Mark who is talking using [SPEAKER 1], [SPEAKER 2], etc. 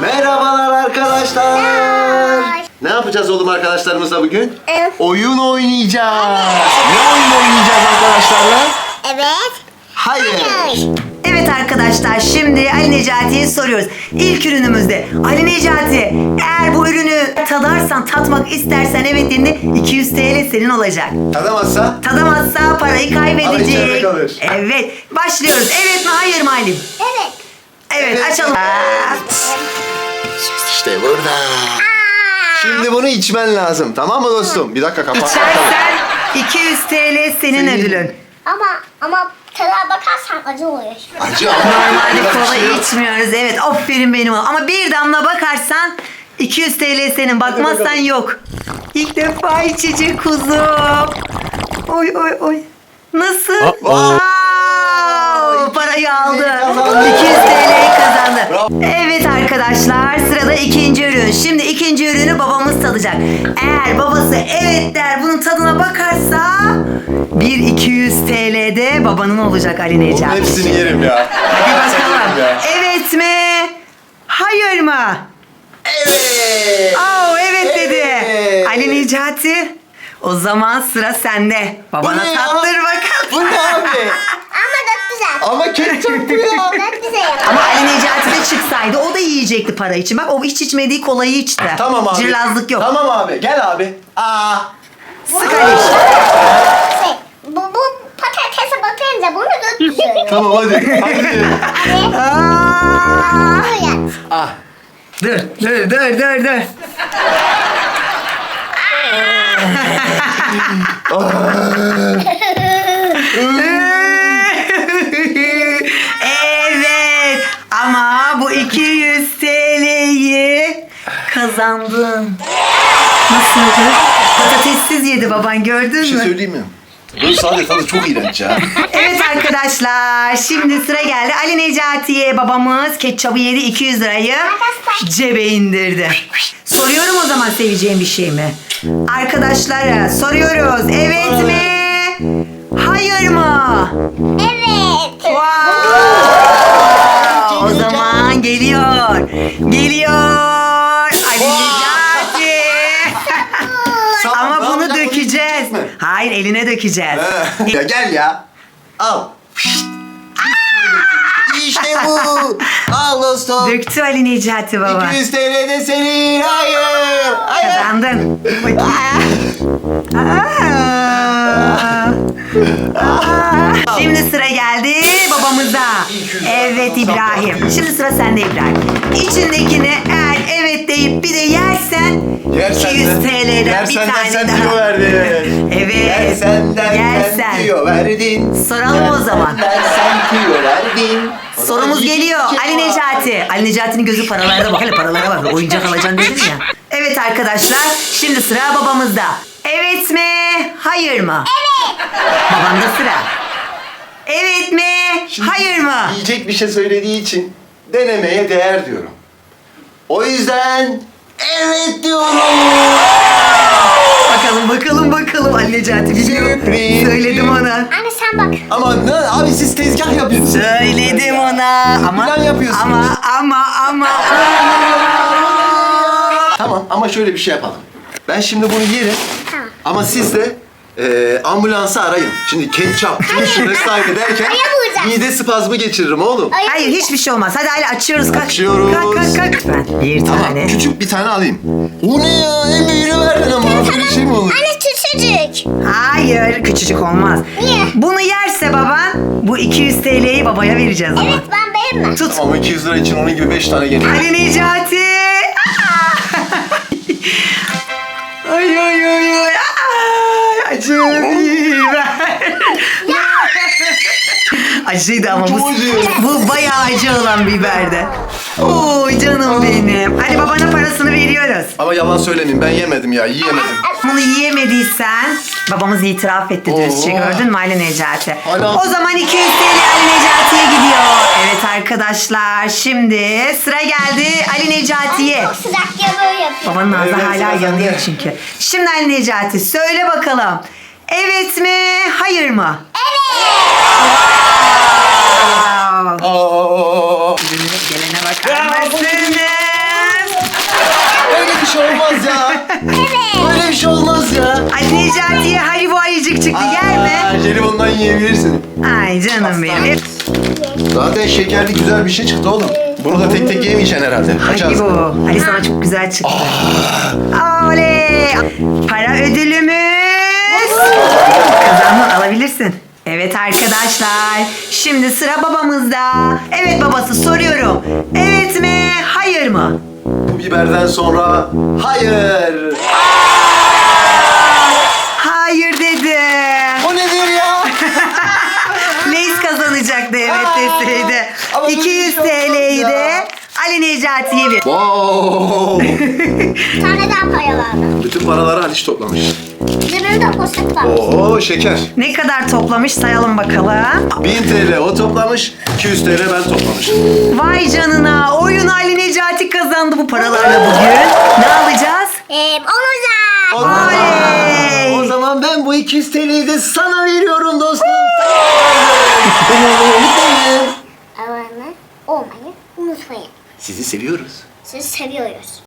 [SPEAKER 1] Merhabalar arkadaşlar. Ne yapacağız oğlum arkadaşlarımızla bugün? Oyun oynayacağız. Ne oyun oynayacağız arkadaşlarla?
[SPEAKER 2] Evet.
[SPEAKER 1] Hayır.
[SPEAKER 3] Evet arkadaşlar, şimdi Ali Necati'ye soruyoruz. İlk ürünümüzde Ali Necati, eğer bu ürünü tadarsan, tatmak istersen evet dediğinde 200 TL senin olacak.
[SPEAKER 1] Tadamazsa?
[SPEAKER 3] Tadamazsa parayı
[SPEAKER 1] Ama içeride
[SPEAKER 3] kaybedecek.
[SPEAKER 1] kalır.
[SPEAKER 3] Evet, başlıyoruz. Evet mi hayır mı Halim?
[SPEAKER 2] Evet.
[SPEAKER 3] Evet,
[SPEAKER 1] Evet.
[SPEAKER 3] açalım.
[SPEAKER 1] İşte burada. Şimdi bunu içmen lazım. Tamam mı dostum? Bir dakika kapat.
[SPEAKER 3] İçersen 200 TL senin ödülün.
[SPEAKER 2] Ama tadına bakarsan acı oluyor.
[SPEAKER 1] Acı ama.
[SPEAKER 3] Normalde kola
[SPEAKER 1] Şey yok.
[SPEAKER 3] içmiyoruz. Evet, aferin benim oğlum. Ama bir damla bakarsan 200 TL senin. Bakmazsan yok. İlk defa içecek kuzum. Oy oy oy. Nasıl? Wow! Parayı aldı. 200 TL'yi kazandı. Evet arkadaşlar, sırada ikinci ürün. Şimdi ikinci ürünü babamız tadacak. Eğer babası evet der, bunun tadına bakarsa 200 TL de babanın olacak Ali
[SPEAKER 1] Bunun
[SPEAKER 3] Necati.
[SPEAKER 1] hepsini yerim ya.
[SPEAKER 3] Hadi bakalım.
[SPEAKER 1] Ya.
[SPEAKER 3] Evet mi? Hayır mı?
[SPEAKER 1] Evet.
[SPEAKER 3] Oo, evet dedi.
[SPEAKER 1] Evet.
[SPEAKER 3] Ali Necati. O zaman sıra sende. Babana
[SPEAKER 1] Bu ne ya?
[SPEAKER 3] tattır bakalım.
[SPEAKER 1] Bu ne abi?
[SPEAKER 2] Ama çok güzel.
[SPEAKER 1] Ama ketçap bu ya.
[SPEAKER 2] Çok güzel.
[SPEAKER 3] Ama Ali Necati de çıksaydı o da yiyecekti para için. Bak o hiç içmediği kolayı içti.
[SPEAKER 1] Tamam abi.
[SPEAKER 3] Cırlazlık yok.
[SPEAKER 1] Tamam abi. Gel abi.
[SPEAKER 3] Sık Ali.
[SPEAKER 2] Bu patatese bakınca bunu döküyorum.
[SPEAKER 1] Tamam hadi. Hadi.
[SPEAKER 3] Aa!
[SPEAKER 2] Böyle.
[SPEAKER 1] Ah.
[SPEAKER 3] Dur. Evet. Ama bu 200 TL'yi kazandın. Nasıldı? Patatessiz yedi baban, gördün
[SPEAKER 1] Bir şey
[SPEAKER 3] mü?
[SPEAKER 1] söyleyeyim mi? Böyle sade tadı çok iğrenç ya.
[SPEAKER 3] Evet arkadaşlar, şimdi sıra geldi. Ali Necati'ye babamız ketçabı yedi, 200 lirayı cebe indirdi. Soruyorum o zaman, seveceğim bir şey mi? Arkadaşlara soruyoruz. Evet mi? Hayır mı?
[SPEAKER 2] Evet.
[SPEAKER 3] Wow! O zaman geliyor. Ali Necati. Ama
[SPEAKER 1] Ne
[SPEAKER 3] bunu
[SPEAKER 1] yapacağız?
[SPEAKER 3] dökeceğiz.
[SPEAKER 1] Mi?
[SPEAKER 3] Hayır, eline dökeceğiz.
[SPEAKER 1] Ya gel ya. Al. İşte bu. Al dostum.
[SPEAKER 3] Döktü Ali Necati baba.
[SPEAKER 1] 200 TL de senin. Hayır. Hayır.
[SPEAKER 3] Kazandın. Şimdi sıra geldi babamıza. Evet İbrahim. Şimdi sıra sende İbrahim. İçindekini eğer evet deyip bir de yersen, 200 TL'den bir tane
[SPEAKER 1] sen
[SPEAKER 3] daha.
[SPEAKER 1] tüyo verdin.
[SPEAKER 3] Evet.
[SPEAKER 1] Yersen
[SPEAKER 3] Yersen.
[SPEAKER 1] tüyo verdin.
[SPEAKER 3] Soralım o zaman.
[SPEAKER 1] Sen tüyo verdin. O zaman
[SPEAKER 3] Sorumuz
[SPEAKER 1] yiyecek
[SPEAKER 3] geliyor.
[SPEAKER 1] bir şey
[SPEAKER 3] Ali
[SPEAKER 1] var.
[SPEAKER 3] Necati. Ali Necati'nin gözü paralarda bak. Hele paralara bak. Oyuncak alacaksın dedin ya. Evet arkadaşlar. Şimdi sıra babamızda. Evet mi? Hayır mı? Evet. Babamda sıra. Evet mi?
[SPEAKER 1] Şimdi
[SPEAKER 3] Hayır mı?
[SPEAKER 1] Yiyecek bir şey söylediği için denemeye değer diyorum. O yüzden evet diyorum.
[SPEAKER 3] Bakalım Ali Necati biliyor.
[SPEAKER 1] Sürpriz.
[SPEAKER 3] Söyledim ona.
[SPEAKER 2] Anne sen bak.
[SPEAKER 1] Ama ne abi, siz tezgah yapıyorsunuz.
[SPEAKER 3] Söyledim ona. Ama
[SPEAKER 1] Plan yapıyorsunuz.
[SPEAKER 3] ama.
[SPEAKER 1] Tamam ama şöyle bir şey yapalım. Ben şimdi bunu yerim.
[SPEAKER 2] Tamam.
[SPEAKER 1] Ama siz de ambulansı arayın. Şimdi ketçap, turşu vesaire derken
[SPEAKER 2] Aya vuracağız.
[SPEAKER 1] mide spazmı geçiririm oğlum.
[SPEAKER 3] Hayır, hiçbir şey olmaz. Hadi Ali açıyoruz. Kalk.
[SPEAKER 1] Açıyoruz.
[SPEAKER 3] Kalk. Lütfen. Bir
[SPEAKER 1] Tamam,
[SPEAKER 3] tane.
[SPEAKER 1] küçük bir tane alayım. O ne ya? En büyüğünü verdin ama. Böyle şey mi olur?
[SPEAKER 2] Anne küçücük.
[SPEAKER 3] Hayır, küçücük olmaz.
[SPEAKER 2] Niye?
[SPEAKER 3] Bunu yerse baban, bu 200 TL'yi babaya vereceğiz ama.
[SPEAKER 2] Evet ben beğenmem.
[SPEAKER 3] Tut.
[SPEAKER 1] Ama 200 lira için onun gibi 5 tane geliyor.
[SPEAKER 3] Ali Necati. Ay. Ay, acı biber. Acıydı ama
[SPEAKER 1] Çok
[SPEAKER 3] bu.
[SPEAKER 1] acı.
[SPEAKER 3] Bu bayağı acı olan biberdi. Oy canım benim. Hadi babana parasını veriyoruz.
[SPEAKER 1] Ama yalan söylemeyeyim, ben yemedim ya, yiyemedim.
[SPEAKER 3] Bunu yiyemediysen babamız itiraf etti dürüstçe,
[SPEAKER 1] Oo.
[SPEAKER 3] gördün mü Ali Necati?
[SPEAKER 1] Hala-
[SPEAKER 3] O zaman 200 TL Ali Necati'ye gidiyor. Evet arkadaşlar, şimdi sıra geldi Ali Necati'ye.
[SPEAKER 2] Çok sıcak ya böyle yapıyor.
[SPEAKER 3] Babanın ağzı
[SPEAKER 1] Evet,
[SPEAKER 3] hala
[SPEAKER 1] sıra
[SPEAKER 3] yanıyor
[SPEAKER 1] sende.
[SPEAKER 3] çünkü. Şimdi Ali Necati söyle bakalım. Evet mi? Hayır mı? Wow.
[SPEAKER 1] Aa.
[SPEAKER 3] Gelene bakar mısın? Necati'ye Haribo ayıcık çıktı. Yer mi?
[SPEAKER 1] Jelibondan yiyebilirsin.
[SPEAKER 3] Ay canım benim.
[SPEAKER 1] Zaten şekerli güzel bir şey çıktı oğlum. Bunu da tek tek yemeyeceksin herhalde. Açarsın.
[SPEAKER 3] Haribo. Ali sana çok güzel çıktı. Oley. Para ödülümüz. Kazandın, alabilirsin. Evet arkadaşlar. Şimdi sıra babamızda. Evet babası, soruyorum. Evet mi? Hayır mı?
[SPEAKER 1] Bu biberden sonra hayır.
[SPEAKER 3] Hayır dedim.
[SPEAKER 1] O nedir ya?
[SPEAKER 3] Leys kazanacaktı evet deseydi.
[SPEAKER 1] ama böyle
[SPEAKER 3] 200
[SPEAKER 1] bir şey olmaz
[SPEAKER 3] TL'yi
[SPEAKER 1] ya.
[SPEAKER 3] de Ali Necati'ye ver.
[SPEAKER 1] Wow.
[SPEAKER 2] Bir tane daha para vardı.
[SPEAKER 1] Bütün paraları Haliç toplamış.
[SPEAKER 2] Cebimde poşet var.
[SPEAKER 1] Oo şeker.
[SPEAKER 3] Ne kadar toplamış sayalım bakalım.
[SPEAKER 1] 1000 TL o toplamış, 200 TL ben toplamışım.
[SPEAKER 3] Vay canına, oyun Ali Necati kazandı bu paralarla bugün. Ne alacağız?
[SPEAKER 2] Onu da.
[SPEAKER 3] Oley!
[SPEAKER 1] O zaman ben bu 200 TL'yi de sana veriyorum dostum. Beni unutmayın.
[SPEAKER 2] Abone olmayı unutmayın.
[SPEAKER 1] Sizi seviyoruz.
[SPEAKER 2] Sizi seviyoruz.